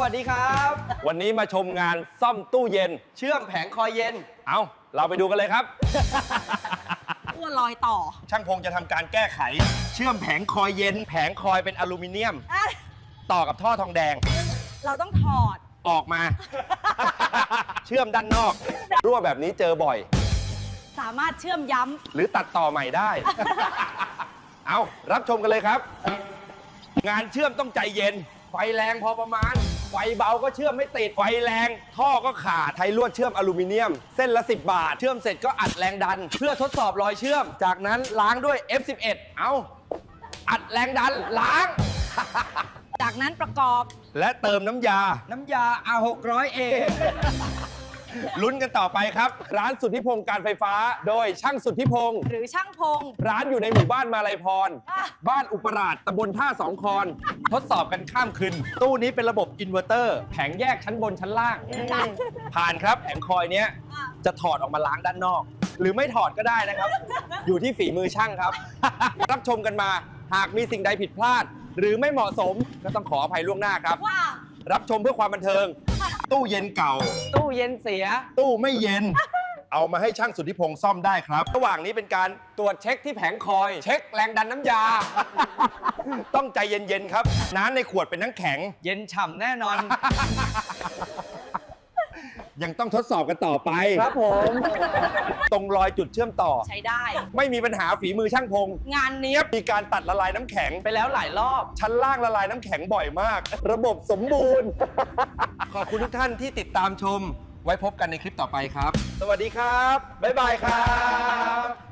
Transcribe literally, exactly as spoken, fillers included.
วัสดีครับวันนี้มาชมงานซ่อมตู้เย็นเชื่อมแผงคอยเย็นเอาเราไปดูกันเลยครับอ้วนลอยต่อช่างพงจะทำการแก้ไข เชื่อมแผงคอยเย็น แผงคอยเป็นอลูมิเนียมอ่ะต่อกับท่อทองแดงเราต้องถอดออกมา เชื่อมด้านนอก รั่วแบบนี้เจอบ่อยสามารถเชื่อมย้หรือตัดต่อใหม่ได้ เอารับชมกันเลยครับ งานเชื่อมต้องใจเย็น ไฟแรงพอประมาณ ไฟเบาก็เชื่อมไม่ติด ไฟแรง ท่อก็ขาดไทยลวดเชื่อมอลูมิเนียม เส้นละสิบบาท เชื่อมเสร็จก็อัดแรงดัน เพื่อทดสอบรอยเชื่อม จากนั้นล้างด้วย เอฟ สิบเอ็ด เอาอัดแรงดันล้างำจากนั้นประกอบและเติมน้ำยาน้ำยา อาร์ หกร้อย เอลุ้นกันต่อไปครับ ร้านสุทธิพงศ์การไฟฟ้า โดยช่างสุทธิพงศ์หรือช่างพงร้านอยู่ในหมู่บ้านมาลัยพรอ่ะบ้านอุปราชตำบลท่าสองคอน ทดสอบกันข้ามคืน ตู้นี้เป็นระบบอินเวอร์เตอร์ แผงแยกชั้นบนชั้นล่าง ผ่านครับ แผงคอยเนี้ยอ่ะจะถอดออกมาล้างด้านนอก หรือไม่ถอดก็ได้นะครับ อยู่ที่ฝีมือช่างครับ รับชมกันมา หากมีสิ่งใดผิดพลาด หรือไม่เหมาะสมก็ต้องขออภัยล่วงหน้าครับว่ารับชมเพื่อความบันเทิง ตู้เย็นเก่าตู้เย็นเสียตู้ไม่เย็น เอามาให้ช่างสุทธิพงศ์ซ่อมได้ครับ ระหว่างนี้เป็นการตรวจเช็คที่แผงคอย เช็คแรงดันน้ำยา ต้องใจเย็นๆครับ น้ำในขวดเป็นน้ำแข็งเย็นฉ่ำแน่นอนยังต้องทดสอบกันต่อไปครับผมตรงรอยจุดเชื่อมต่อใช้ได้ไม่มีปัญหาฝีมือช่างพงศ์งานนี้เนียบมีการตัดละลายน้ำแข็งไปแล้วหลายรอบชั้นล่างละลายน้ำแข็งบ่อยมาก ระบบสมบูรณ์ ขอบคุณทุกท่านที่ติดตามชม ไว้พบกันในคลิปต่อไปครับ สวัสดีครับ บ๊ายบายครับ